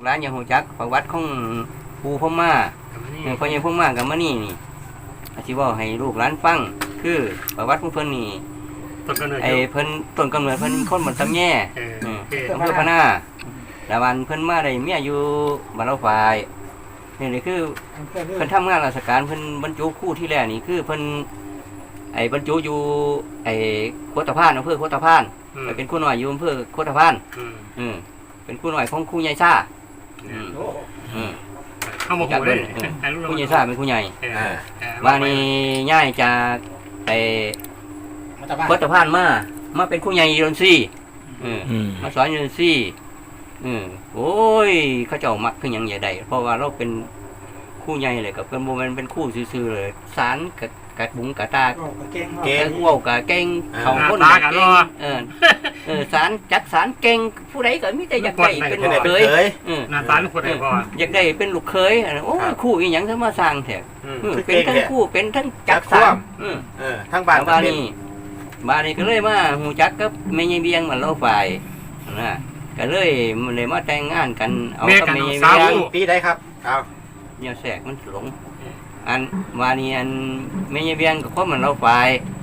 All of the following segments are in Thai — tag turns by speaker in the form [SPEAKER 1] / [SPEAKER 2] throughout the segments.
[SPEAKER 1] ร้านอย่างหูจักประวัติของปูพม่าพ่อใหญ่พม่ากับมะนี่นี่อาชีวะให้ลูกร้านฟังคือประวัติของเพิ่นนี่ไอ้เพิ่นต้นกำเนิดเพิ่นคนบ้านตำแย่อำเภอพะนาแล้ววันเพิ่นมาได้เมียอยู่บ้านเราฝ่ายนี่คือเพิ่นทำงานราชการเพิ่นบรรจุครู่ที่แรกนี่คือเพิ่นไอ้บรรจุอยู่ไอ้โคตรพานอำเภอโคตรพานไปเป็นครูหน่อยอยู่อำเภอโคตรพานเป็นครูหน่อยของครูใหญ่ซ่า
[SPEAKER 2] เข้ามาหูเลย
[SPEAKER 1] ครูใหญ่ซ่าเป็นครูใหญ่ว่านี่ย่ายจากไอ้โคตรพานมาเป็นครูใหญ่ยูนซี่มาสอนยูนซี่โอ้ยเขาเจ้ามักขึ้นอย่างใหญ่ใดเพราะว่าเราเป็นคู่ใหญ่เลยกับเป็นโมเมนต์เป็นคู่ซื่อๆเลยสารกัดบุ้งกัดตาเก่งว้าวกับเก่งเขาคนเก่งสารจักสารเก่งผู้ใดก็มิแต่อยากได้เป็นลูกเคย
[SPEAKER 2] นาสารคนไหนก่อน
[SPEAKER 1] อยากได้เป็นลูกเคยโอ้คู่อีหยังทั้งมาสร้างแถบเป็นทั้งคู่เป็นทั้งจักสาร
[SPEAKER 3] ทั้งบ้าน
[SPEAKER 1] บ้านนี้ก็เลยมาหูจักกับแม่ยายเบียงมันเล่าฝ่ายนะก็เลยมาแต่งงานกันเอากับแม่ยายเบียง
[SPEAKER 3] ปีได้ครับเอา
[SPEAKER 1] เนี่ยแสกมันหลงอันวานี้อันแม่ยายเบียงก็เพราะมันเราฝ่า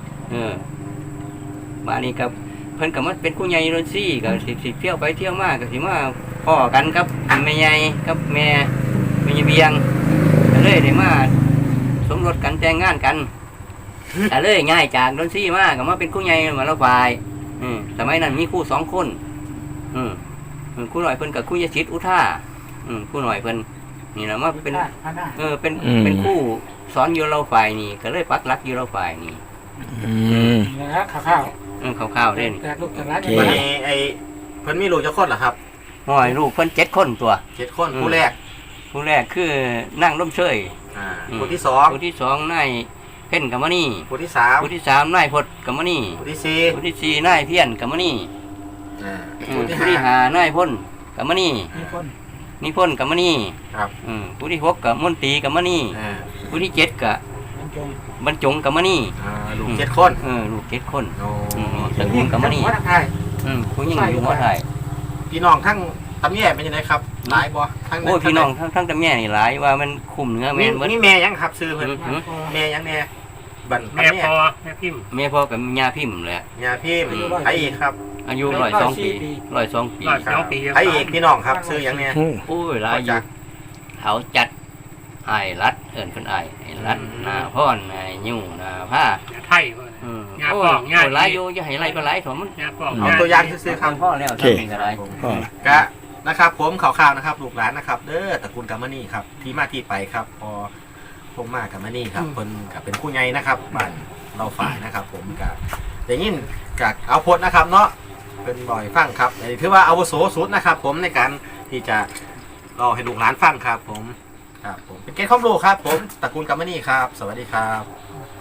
[SPEAKER 1] ยวานี้กับเพิ่นกับมันเป็นผู้ใหญ่โรซี่ก็สิเที่ยวไปเที่ยวมาก็สิมาพ่อกันกับแม่ใหญ่กับแม่ยายเบียงก็เลยได้มาสมรสกันแต่งงานกันก็เลยง่ายจากโรซี่มาก็มาเป็นผู้ใหญ่มาเราฝ่ายสมัยนั้นมีคู่2 คนคู่หน่อยเพิ่นกับคู่ยชิตอุท่าคู่หน่อยเพิ่นนี่นะมาเป็นคู่สอนอยู่เราฝ่ายนี่ก็เลยปักหลักอยู่เราฝ่ายนี่
[SPEAKER 2] ข้าว
[SPEAKER 1] ข้าวเล่น
[SPEAKER 3] วันนี้ไอ้เพิ่นมีลูกจะคนเหรอครับ
[SPEAKER 1] ห้อยลูกเพิ่น7 คนตัว
[SPEAKER 3] 7 คนผู้แรก
[SPEAKER 1] คือนั่งร่มเชย
[SPEAKER 3] ผู้ที่
[SPEAKER 1] 2นายเพ่นกัมมณี
[SPEAKER 3] ผู้ที่
[SPEAKER 1] 3นายพดกัมมณี
[SPEAKER 3] ผู้ที่
[SPEAKER 1] 4นายเพี้ยนกัมมณีผู้ที่5นายพ่นกัมมณีนิพนธ์กัมมณีผู้ที่6กับมนตรีกัมมณีผู้ที่7กับบรรจงกัมมณี
[SPEAKER 3] ลูก7 คน
[SPEAKER 1] ลูก7 คนตระกูลกัมมณีผู้ยิ่งอยู่หัวไทย
[SPEAKER 3] พี่น้องทั้งตำแย่เป็นยังไงครับหลายบ่ทั้ง
[SPEAKER 1] โอ้พี่น้องทั้งตำแย่นี่หลายว่ามันคุมเนื้อแม่
[SPEAKER 3] นี่แม่ยังครับซื้อเพิ่นแม่ยังแน่บัน
[SPEAKER 2] แม่พ่อแม่พิมพ์
[SPEAKER 1] แม่พ่อกับยาพิมพ์เลย
[SPEAKER 3] ยาพิมพ์ไอ้อีกครับ
[SPEAKER 1] อายุ102 ปี
[SPEAKER 3] ไอ้อีกพี่น้องครับซื้อยังแน่
[SPEAKER 1] โอ้ยหลายอยู่เขาจัดไอ้รัดเอิญคนไอ้รัดนาพ่อนไอ้ยูนาผ้า
[SPEAKER 2] ไทย
[SPEAKER 1] โอ้ยหลายอยู่จะให้ไรก็หลายผม
[SPEAKER 3] เอาตัวอย่างซื้อครับ
[SPEAKER 1] พ่อแล้วจะเป็นอะไร
[SPEAKER 3] กะนะครับผมข่าวๆนะครับลูกหลานนะครับเด้อตระกูลกัมมณีครับที่มาที่ไปครับพอพงมากัมมณีครับคนกับเป็นผู้ใหญ่นะครับบ้านเราฝ่ายนะครับผมกับอย่างนี้กับเอาพจน์นะครับเนาะเป็นบ่อยฟังครับถือว่าอาวุโสสุดนะครับผมในการที่จะรอให้ลูกหลานฟังครับผมเป็นเกณฑ์ข้อมูลครับผมตระกูลกัมมณีครับสวัสดีครับ